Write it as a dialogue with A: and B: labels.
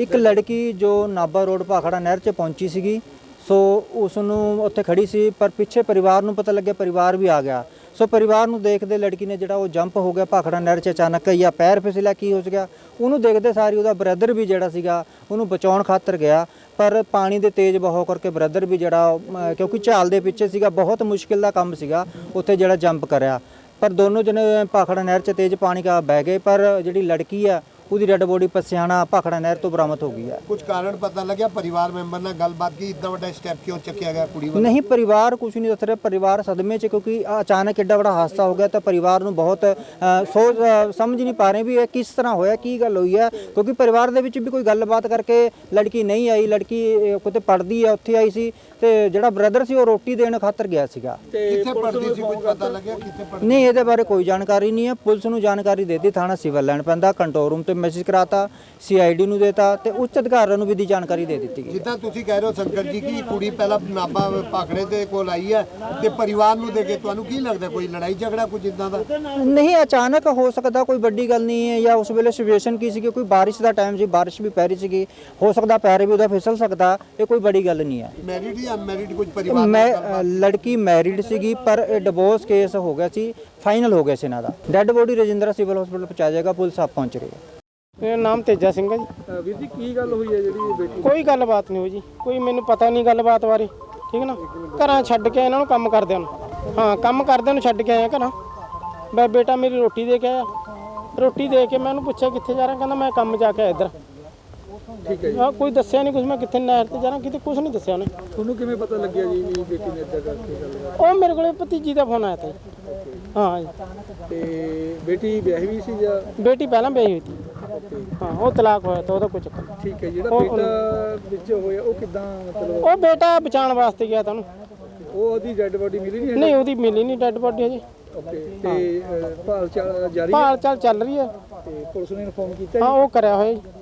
A: ਇੱਕ ਲੜਕੀ ਜੋ ਨਾਭਾ ਰੋਡ ਭਾਖੜਾ ਨਹਿਰ 'ਚ ਪਹੁੰਚੀ ਸੀਗੀ, ਸੋ ਉਸ ਨੂੰ ਉੱਥੇ ਖੜੀ ਸੀ, ਪਰ ਪਿੱਛੇ ਪਰਿਵਾਰ ਨੂੰ ਪਤਾ ਲੱਗਿਆ, ਪਰਿਵਾਰ ਵੀ ਆ ਗਿਆ। ਸੋ ਪਰਿਵਾਰ ਨੂੰ ਦੇਖਦੇ ਲੜਕੀ ਨੇ ਜਿਹੜਾ ਉਹ ਜੰਪ ਹੋ ਗਿਆ ਭਾਖੜਾ ਨਹਿਰ 'ਚ ਅਚਾਨਕ, ਜਾਂ ਪੈਰ ਫਿਸਲਿਆ, ਕੀ ਹੋ ਗਿਆ ਉਹਨੂੰ ਦੇਖਦੇ ਸਾਰੀ ਉਹਦਾ ਬ੍ਰਦਰ ਵੀ ਜਿਹੜਾ ਸੀਗਾ ਉਹਨੂੰ ਬਚਾਉਣ ਖਾਤਰ ਗਿਆ, ਪਰ ਪਾਣੀ ਦੇ ਤੇਜ਼ ਬਹਾਅ ਕਰਕੇ ਬ੍ਰਦਰ ਵੀ ਜਿਹੜਾ ਕਿਉਂਕਿ ਝਾਲ ਦੇ ਪਿੱਛੇ ਸੀਗਾ, ਬਹੁਤ ਮੁਸ਼ਕਿਲ ਦਾ ਕੰਮ ਸੀਗਾ ਉੱਥੇ ਜਿਹੜਾ ਜੰਪ ਕਰਿਆ, ਪਰ ਦੋਨੋਂ ਜਣੇ ਭਾਖੜਾ ਨਹਿਰ 'ਚ ਤੇਜ਼ ਪਾਣੀ ਕਾ ਬਹਿ ਗਏ। ਪਰ ਜਿਹੜੀ ਲੜਕੀ ਆ ਉਹਦੀ ਡੈਡ ਬੋਡੀ ਪਸਿਆਣਾ ਭਾਖੜਾ ਨਹਿਰ ਤੋਂ ਬਰਾਮਦ ਹੋ ਗਈ ਹੈ।
B: ਕੁਝ ਕਾਰਨ ਪਤਾ ਲੱਗਿਆ? ਪਰਿਵਾਰ ਮੈਂਬਰ ਨਾਲ ਗੱਲਬਾਤ ਕੀ, ਇतना ਵੱਡਾ ਸਟੈਪ ਕਿਉਂ ਚੱਕਿਆ ਗਿਆ ਕੁੜੀ ਵੱਲੋਂ?
A: नहीं, परिवार कुछ नहीं दस रहे, परिवार सदमे च, क्योंकि अचानक एड्डा बड़ा हादसा हो गया तो परिवार ਨੂੰ ਬਹੁਤ सोच समझ नहीं पा रहे भी ਇਹ ਕਿਸ ਤਰ੍ਹਾਂ ਹੋਇਆ, ਕੀ ਗੱਲ ਹੋਈ ਹੈ, ਕਿਉਂਕਿ ਪਰਿਵਾਰ ਦੇ ਵਿੱਚ ਵੀ ਕੋਈ ਗੱਲਬਾਤ ਕਰਕੇ ਲੜਕੀ ਨਹੀਂ ਆਈ। ਲੜਕੀ ਕਿਤੇ ਪੜਦੀ ਹੈ, ਉੱਥੇ ਆਈ ਸੀ, ਤੇ ਜਿਹੜਾ ਬ੍ਰਦਰ ਸੀ ਉਹ ਰੋਟੀ ਦੇਣ ਖਾਤਰ ਗਿਆ ਸੀਗਾ।
B: ਕਿੱਥੇ ਪੜਦੀ ਸੀ, ਕੁਝ ਪਤਾ ਲੱਗਿਆ ਕਿੱਥੇ ਪੜਦੀ?
A: ਨਹੀਂ, ਇਹਦੇ ਬਾਰੇ ਕੋਈ ਜਾਣਕਾਰੀ ਨਹੀਂ ਹੈ। ਪੁਲਿਸ ਨੂੰ ਜਾਣਕਾਰੀ ਦੇ ਦਿੱਤੀ, ਥਾਣਾ ਸਿਵਲ ਲਾਈਨ ਪੈਂਦਾ, ਕੰਟਰੋਲ ਰੂਮ ਤੇ ਮੈਸੇਜ ਕਰਾਤਾ, CID ਨੂੰ ਦੇਤਾ ਤੇ ਉੱਚ ਅਧਿਕਾਰੀਆਂ ਨੂੰ ਵੀ ਦੀ ਜਾਣਕਾਰੀ ਦੇ ਦਿੱਤੀ ਗਈ।
B: ਜਿੱਦਾਂ ਤੁਸੀਂ ਕਹਿ ਰਹੇ ਹੋ ਸ਼ੰਕਰ ਜੀ ਕਿ ਕੁੜੀ ਪਹਿਲਾਂ ਨਾਭਾ ਭਾਖੜੇ ਦੇ ਕੋਲ ਆਈ ਹੈ ਤੇ ਪਰਿਵਾਰ ਨੂੰ ਦੇ ਕੇ, ਤੁਹਾਨੂੰ ਕੀ ਲੱਗਦਾ ਕੋਈ ਲੜਾਈ ਝਗੜਾ ਕੁਝ ਇਦਾਂ ਦਾ?
A: ਨਹੀਂ, ਅਚਾਨਕ ਹੋ ਸਕਦਾ, ਕੋਈ ਵੱਡੀ ਗੱਲ ਨਹੀਂ ਹੈ। ਜਾਂ ਉਸ ਵੇਲੇ ਸਿਚੁਏਸ਼ਨ ਕੀ ਸੀ, ਕੋਈ ਬਾਰਿਸ਼ ਦਾ ਟਾਈਮ ਸੀ, ਬਾਰਿਸ਼ ਵੀ ਪੈ ਰਹੀ ਸੀਗੀ, ਹੋ ਸਕਦਾ ਪੈਰ ਵੀ ਉਹਦਾ ਫਿਸਲ ਸਕਦਾ, ਇਹ ਕੋਈ ਬੜੀ ਗੱਲ ਨਹੀਂ ਹੈ।
B: ਮੈਰਿਡ ਜਾਂ ਅਨਮੈਰਿਡ ਕੁਝ ਪਰਿਵਾਰ?
A: ਮੈਂ ਲੜਕੀ ਮੈਰਿਡ ਸੀਗੀ, ਪਰ ਇਹ ਡਿਵੋਰਸ ਕੇਸ ਹੋ ਗਿਆ ਸੀ, ਫਾਈਨਲ ਹੋ ਗਿਆ ਸੀ ਇਹਨਾਂ ਦਾ। Dead body Rajindra civil hospital ਪਹੁੰਚਾਇਆ ਜਾਏਗਾ, ਪੁਲਿਸ ਆਪ ਪਹੁੰਚ ਰਹੀ ਹੈ।
C: ਮੇਰਾ ਨਾਮ ਤੇਜਾ ਸਿੰਘ ਹੈ ਜੀ।
D: ਵੀਰ ਜੀ ਕੀ ਗੱਲ ਹੋਈ ਹੈ ਜਿਹੜੀ ਬੇਟੀ?
C: ਕੋਈ ਗੱਲਬਾਤ ਨਹੀਂ ਹੋਈ ਜੀ, ਕੋਈ ਮੈਨੂੰ ਪਤਾ ਨਹੀਂ ਗੱਲਬਾਤ ਬਾਰੇ, ਠੀਕ ਨਾ। ਘਰਾਂ ਛੱਡ ਕੇ ਇਹਨਾਂ ਨੂੰ ਕੰਮ ਕਰਦਿਆਂ ਨੂੰ, ਹਾਂ ਕੰਮ ਕਰਦਿਆਂ ਨੂੰ ਛੱਡ ਕੇ ਆਇਆ ਘਰਾਂ। ਮੈਂ ਬੇਟਾ ਮੇਰੀ ਰੋਟੀ ਦੇ ਕੇ ਆਇਆ, ਰੋਟੀ ਦੇ ਕੇ ਮੈਂ ਉਹਨੂੰ ਪੁੱਛਿਆ ਕਿੱਥੇ ਜਾ ਰਿਹਾ, ਕਹਿੰਦਾ ਮੈਂ ਕੰਮ ਜਾ ਕੇ ਆਇਆ ਇੱਧਰ।
D: ਠੀਕ ਹੈ ਜੀ।
C: ਹਾਂ, ਕੋਈ ਦੱਸਿਆ ਨਹੀਂ ਕੁਝ, ਮੈਂ ਕਿੱਥੇ ਨਹਿਰ ਤੇ ਜਾ ਰਿਹਾ, ਕਿਤੇ ਕੁਝ ਨਹੀਂ ਦੱਸਿਆ ਉਹਨੇ।
D: ਤੁਹਾਨੂੰ ਕਿਵੇਂ ਪਤਾ ਲੱਗਿਆ ਜੀ ਵੀ ਬੇਟੀ ਨੇ ਇੱਦਾਂ ਕਰਕੇ ਗੱਲ?
C: ਉਹ ਮੇਰੇ ਕੋਲੇ ਭਤੀਜੀ ਦਾ ਫੋਨ ਆਇਆ ਤਾ ਜੀ। ਹਾਂ ਜੀ।
D: ਤੇ ਬੇਟੀ ਵਿਆਹੀ ਵੀ ਸੀ ਜਾਂ?
C: ਬੇਟੀ ਪਹਿਲਾਂ ਵਿਆਹੀ ਹੋਈ ਸੀ। ਹਾਂ, ਉਹ ਤਲਾਕ ਹੋਇਆ ਤਾਂ ਉਹਦਾ ਕੋਈ ਚੱਕਰ ਨਹੀਂ।
D: ਠੀਕ ਹੈ, ਜਿਹੜਾ ਬੇਟਾ ਵਿੱਚ ਹੋਇਆ ਉਹ ਕਿੱਦਾਂ ਮਤਲਬ?
C: ਉਹ ਬੇਟਾ ਬਚਾਉਣ ਵਾਸਤੇ ਗਿਆ ਤਾਂ ਉਹਨੂੰ।
D: ਉਹ ਉਹਦੀ ਡੈੱਡ ਬੋਡੀ ਮਿਲੀ ਨਹੀਂ?
C: ਨਹੀਂ, ਉਹਦੀ ਮਿਲੀ ਨਹੀਂ ਡੈੱਡ ਬੋਡੀ ਹਜੇ।
D: ਓਕੇ, ਤੇ ਭਾਲ ਚਾਲ ਜਾਰੀ ਹੈ?
C: ਭਾਲ ਚਾਲ ਚੱਲ ਰਹੀ ਹੈ।
D: ਤੇ ਪੁਲਿਸ ਨੇ ਇਨਫੋਰਮ ਕੀਤਾ?
C: ਹਾਂ, ਉਹ ਕਰਿਆ ਹੋਇਆ ਜੀ।